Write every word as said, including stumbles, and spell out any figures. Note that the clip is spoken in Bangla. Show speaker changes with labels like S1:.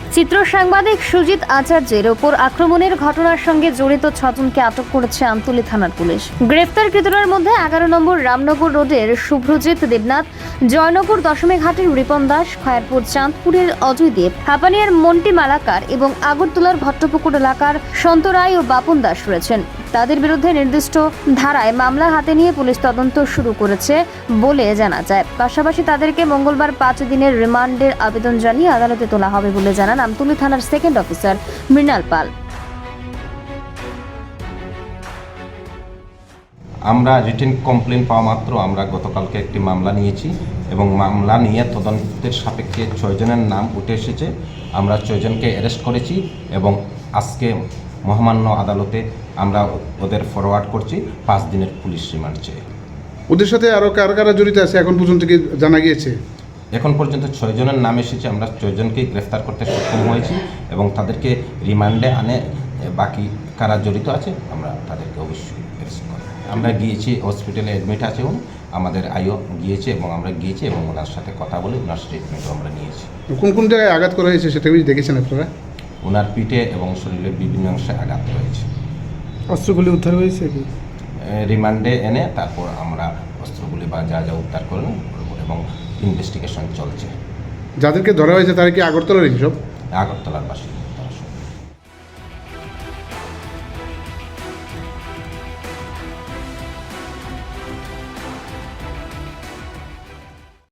S1: চিত্র সাংবাদিক সুজিত আচার্যের ওপর আক্রমণের ঘটনার সঙ্গে জড়িত ছজনকে আটক করেছে আমতলী থানার পুলিশ। গ্রেফতারকৃতদের মধ্যে এগারো নম্বর রামনগর রোডের শুভ্রজিৎ দেবনাথ, জয়নগর দশমী ঘাটের রিপন দাস, খয়ারপুর চাঁদপুরের অজয় দেব, হাপানিয়ার মন্টি মালাকার এবং আগরতলার ভট্টপুকুর এলাকার সন্ত রায় ও বাপন দাস রয়েছেন। তাদের বিরুদ্ধে নির্দিষ্ট ধারায় মামলা হাতে নিয়ে পুলিশ তদন্ত শুরু করেছে বলে জানা যায়। পাশাপাশি তাদেরকে মঙ্গলবার পাঁচ দিনের রিমান্ডের আবেদন জানিয়ে আদালতে তোলা হবে বলে জানান আমতলী থানার সেকেন্ড অফিসার মৃণাল পাল।
S2: আমরা রিটেন কমপ্লেন পাওয়া মাত্র আমরা গতকালকে একটি মামলা নিয়েছি এবং মামলা নিয়ে তদন্তের সাপেক্ষে ছয়জনের নাম উঠে এসেছে। আমরা ছয়জনকে অ্যারেস্ট করেছি এবং আজকে মহামান্য আদালতে আমরা ওদের ফরওয়ার্ড করছি পাঁচ দিনের পুলিশ রিমান্ড চেয়ে।
S3: ওদের সাথে আরও কারা কারা জড়িত আছে এখন পর্যন্ত কি জানা গিয়েছে?
S2: এখন পর্যন্ত ছয়জনের নাম এসেছে, আমরা ছয়জনকেই গ্রেফতার করতে সক্ষম হয়েছি এবং তাদেরকে রিমান্ডে আনে বাকি কারা জড়িত আছে আমরা তাদেরকে অবশ্যই অ্যারেস্ট করব। আমরা গিয়েছি, হসপিটালে অ্যাডমিট আছে উনি, আমাদের আইও গিয়েছে এবং আমরা গিয়েছি এবং ওনার সাথে কথা বলে ওনার স্টেটমেন্টও আমরা নিয়েছি।
S3: কোন কোন জায়গায় আঘাত করা হয়েছে সেটা কি দেখেছেন আপনারা?
S2: ওনার পিঠে এবং শরীরের বিভিন্ন অংশে আঘাত রয়েছে।
S3: অস্ত্রগুলি উদ্ধার হয়েছে কি?
S2: রিমান্ডে এনে তারপর আমরা অস্ত্রগুলি বা যা যা উদ্ধার করলাম এবং ইনভেস্টিগেশন চলছে।
S3: যাদেরকে ধরা হয়েছে তারা কি আগরতলার সব?
S2: আগরতলার বাসিন্দা।